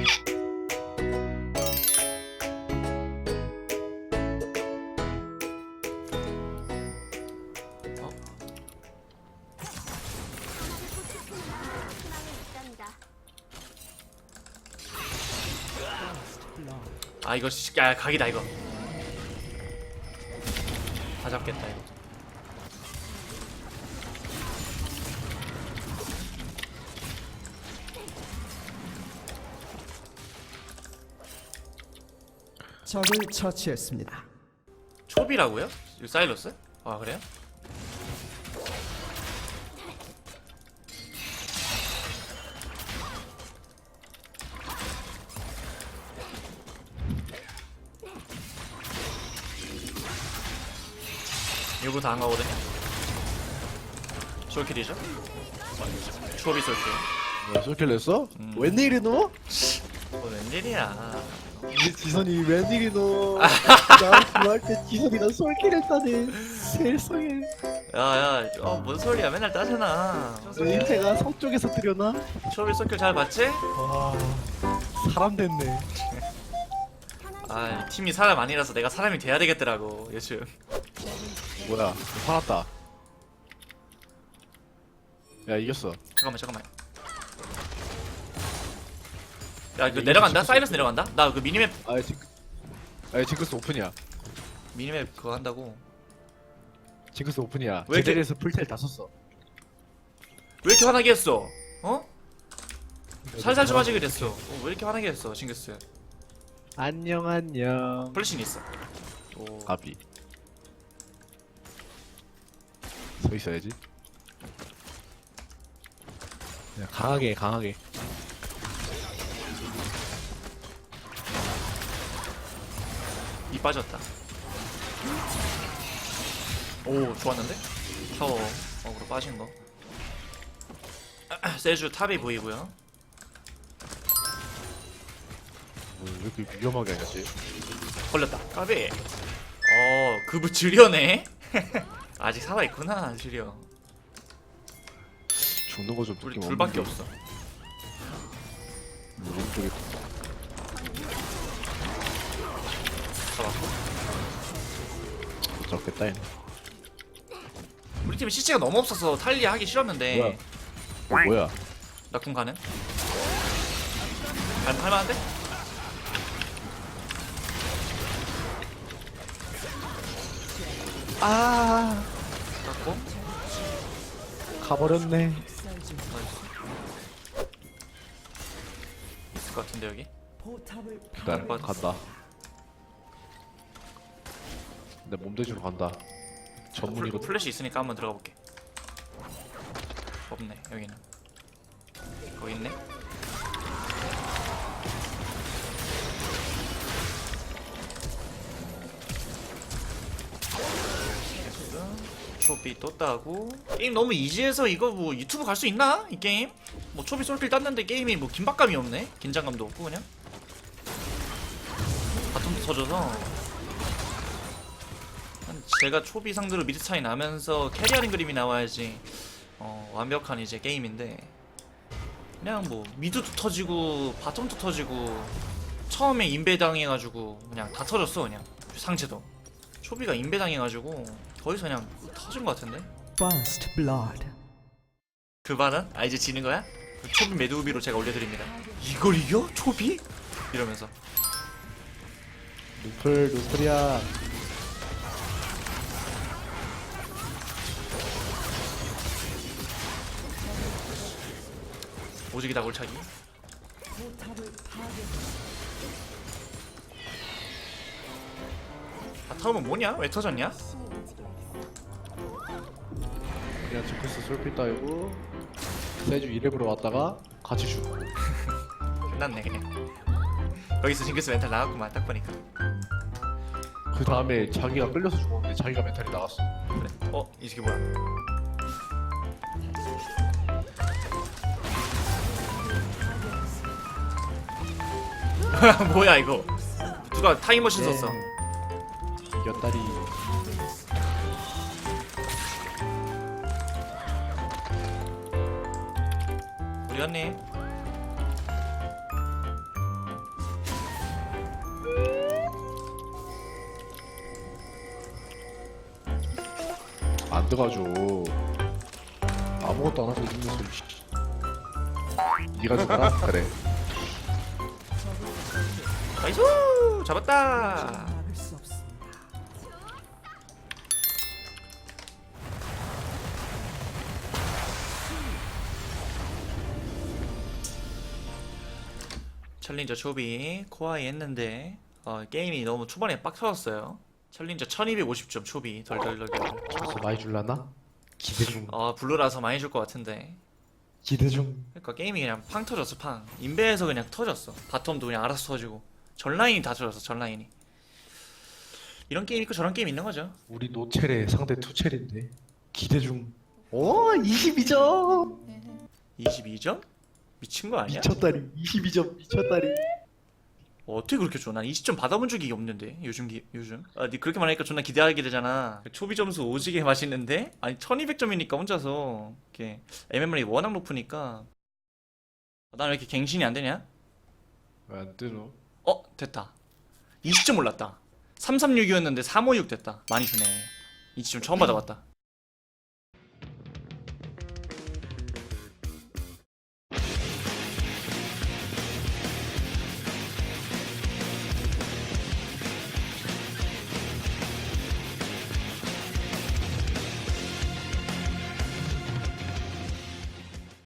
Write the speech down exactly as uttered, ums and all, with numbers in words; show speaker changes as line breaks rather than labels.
아 이거 씨, 야 각이다 이거. 다 잡겠다 이거.
적을 처치했습니다.
초비라고요? 이거 사일러스? 아 그래요? 이거 다 한 거거든요. 솔킬이죠? 초비 솔킬.
뭐야 솔킬 냈어?
음.
웬일이노?
뭐 웬일이야.
우리 지선이 웬일이노? 나 좋아할 때 지선이가 솔킬 했다니 세상에.
야야, 어, 뭔 소리야? 맨날 따잖아.
내 인태가 서쪽에서 들여나?
초비 솔킬 잘 봤지?
와 사람 됐네.
아, 팀이 사람 아니라서 내가 사람이 돼야 되겠더라고 요즘.
뭐야 살았다. 야 이겼어.
잠깐만 잠깐만. 야 이거 내려간다? 사이러스 내려간다? 나 그 미니맵
아 징크 아 징크스 오픈이야.
미니맵 그거 한다고.
징크스 오픈이야.
왜 이렇게-
제대로해서 풀텔 다 썼어.
왜 이렇게 화나게 했어? 어? 살살 좀 하지 그랬어. 어, 왜 이렇게 화나게 했어 징크스?
안녕 안녕.
플래신 있어. 오.
가비. 서 있어야지. 그냥 강하게 강하게.
이 빠졌다. 오 좋았는데? 타워 어그로 빠진 거. 세주 탑이 보이고요.
뭐, 왜 이렇게 위험하게 하냐지?
걸렸다. 까비. 어 그부 주려네. 아직 살아 있구나 주려.
죽는 거좀
우리 둘밖에 없어.
오른쪽에
잡았고.
못 잡겠다 얘네.
우리 팀에 시체가 너무 없어서 탈리아 하기 싫었는데.
뭐야? 어, 뭐야?
나 궁 가는? 할, 할만한데?
아
갖고
가버렸네.
나이스. 있을 것 같은데 여기?
기다려
번.
간다. 내 몸대주로 간다.
플,
전문이거든.
플래시 있으니까 한번 들어가 볼게. 없네 여기는. 거기 있네. 초비 또 따고. 게임 너무 이지해서 이거 뭐 유튜브 갈 수 있나? 이 게임? 뭐 초비 솔킬 땄는데 게임이 뭐 긴박감이 없네? 긴장감도 없고 그냥 바텀도 터져서. 제가 초비 상대로 미드 차이 나면서 캐리하는 그림이 나와야지 어, 완벽한 이제 게임인데, 그냥 뭐 미드도 터지고 바텀도 터지고 처음에 인베 당해가지고 그냥 다 터졌어. 그냥 상체도 초비가 인베 당해가지고 거기서 그냥 터진 것 같은데.
First blood.
그 말은? 아 이제 지는 거야? 초비 매드우비로 제가 올려드립니다. 이걸 이겨? 초비? 이러면서.
루플 루플이야.
오직이다 골차기. 바텀은 뭐냐? 왜 터졌냐?
그냥 징크스 솔필 따이고 세주 이렙으로 왔다가 같이 죽고.
끝났네 그냥. 거기서 징크스 멘탈 나갔구만 딱 보니까.
그 다음에 자기가 끌려서 죽었는데 자기가 멘탈이 나갔어.
그래. 어? 이 새끼 뭐야? 뭐야 이거? 누가 타임머신
네.
썼어?
이겼다리.
우리 언니
가져. 아무것도 안 하고 있으면서 씨. 네가 죽어라? 그래.
나이스! 잡았다!
막을 수 없습니다.
챌린저 초비 코아이 했는데 어, 게임이 너무 초반에 빡 터졌어요. 챌린저 천이백오십 점 초비 덜덜덜.
저서 많이 줄라나? 기대 중.
어 블루라서 많이 줄 것 같은데.
기대 중.
그러니까 게임이 그냥 팡 터졌어 팡. 인베에서 그냥 터졌어. 바텀도 그냥 알아서 터지고 전 라인이 다 터졌어 전 라인이. 이런 게임 있고 저런 게임 있는 거죠.
우리 노첼의 상대 투첼인데 기대 중. 오 이십이 점.
이십이 점? 미친 거 아니야?
미쳤다리. 이십이 점 미쳤다리.
어, 어떻게 그렇게 줘? 난 이십 점 받아본 적이 없는데 요즘 기, 요즘 아, 니 그렇게 말하니까 존나 기대하게 되잖아. 초비 점수 오지게 맛있는데 아니 천이백 점이니까 혼자서 이렇게 엠엠알이 워낙 높으니까 난 왜 이렇게 갱신이 안 되냐?
왜 안 뜨노?
어 됐다. 이십 점 올랐다. 삼삼육이었는데 삼오육 됐다. 많이 주네. 이십 점 처음 받아봤다.